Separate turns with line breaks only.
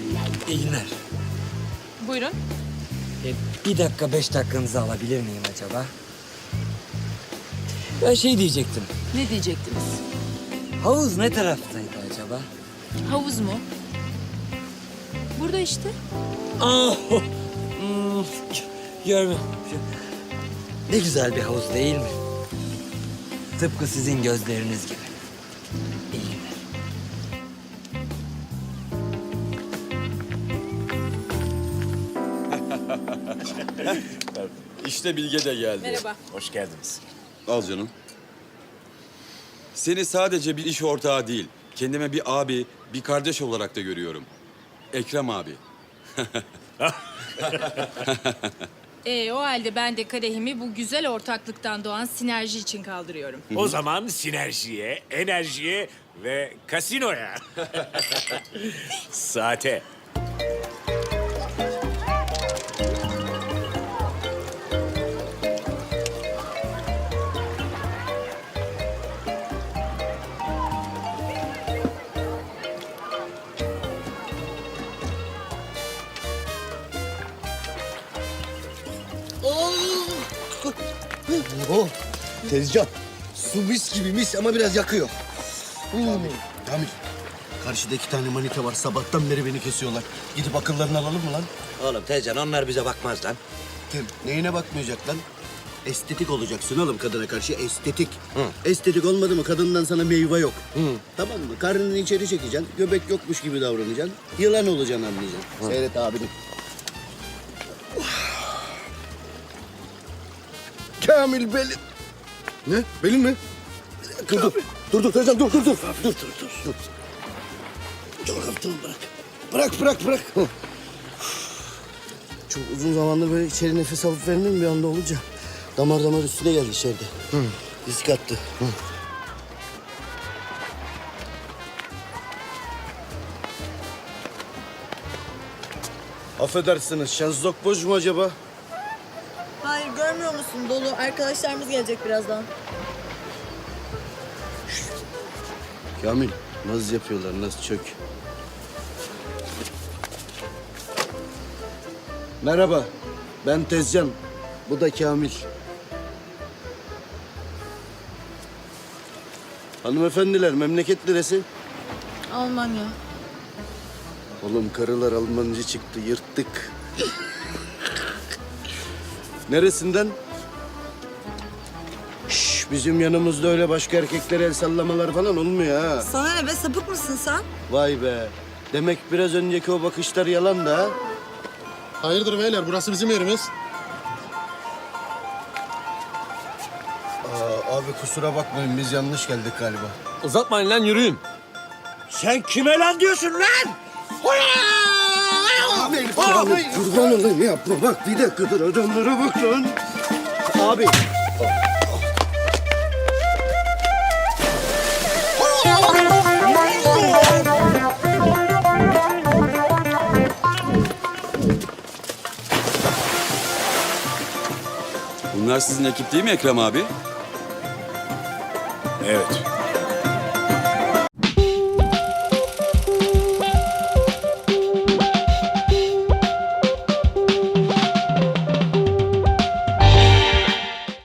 İyi günler.
Buyurun.
Bir dakika 5 dakikanızı alabilir miyim acaba? Ben şey diyecektim.
Ne diyecektiniz?
Havuz ne taraftaydı acaba?
Havuz mu? Burada işte.
Ah! Görme. Ne güzel bir havuz değil mi? Tıpkı sizin gözleriniz gibi. İyi günler.
İşte Bilge de geldi.
Merhaba.
Hoş geldiniz.
Al canım. Seni sadece bir iş ortağı değil, kendime bir abi, bir kardeş olarak da görüyorum. Ekrem abi.
O halde ben de kadehimi bu güzel ortaklıktan doğan sinerji için kaldırıyorum.
O zaman sinerjiye, enerjiye ve kasinoya. Saate.
Oh, tezcan. Su mis gibi mis ama biraz yakıyor. Kamil, karşıda 2 tane manita var. Sabahtan beri beni kesiyorlar. Gidip akıllarını alalım mı lan?
Oğlum Tezcan onlar bize bakmaz lan.
Kim? Neyine bakmayacak lan? Estetik olacaksın oğlum kadına karşı, estetik. Estetik olmadı mı kadından sana meyve yok. Tamam mı? Karnını içeri çekeceksin, göbek yokmuş gibi davranacaksın. Yılan olacaksın anlayacaksın. Seyret abini. Kamil belin. Ne? Belin mi? Dur Tezcan dur. Dur. Çok hafiften bırak. Çok uzun zamandır böyle içeri nefes alıp vermiyorum bir anda olunca. Damar üstüne geldi içeride. Risk attı. Affedersiniz, şezlong boş mu acaba?
Hayır, görmüyor musun? Dolu. Arkadaşlarımız gelecek birazdan.
Kamil, naz yapıyorlar, naz çök. Merhaba, ben Tezcan. Bu da Kamil. Hanımefendiler, memleket neresi?
Almanya.
Oğlum karılar Almancı çıktı, yırttık. Neresinden? Şş, bizim yanımızda öyle başka erkeklere el sallamalar falan olmuyor ha.
Sana ne be? Sapık mısın sen?
Vay be. Demek biraz önceki o bakışlar yalan da ha?
Hayırdır beyler, burası bizim yerimiz.
Abi kusura bakmayın, biz yanlış geldik galiba.
Uzatmayın lan yürüyün.
Sen kime lan diyorsun lan?
Abi, kurban olayım yapma. Bak bir dakika dur, adamlara bak lan. Abi.
Bunlar sizin ekip değil mi Ekrem abi?
Evet.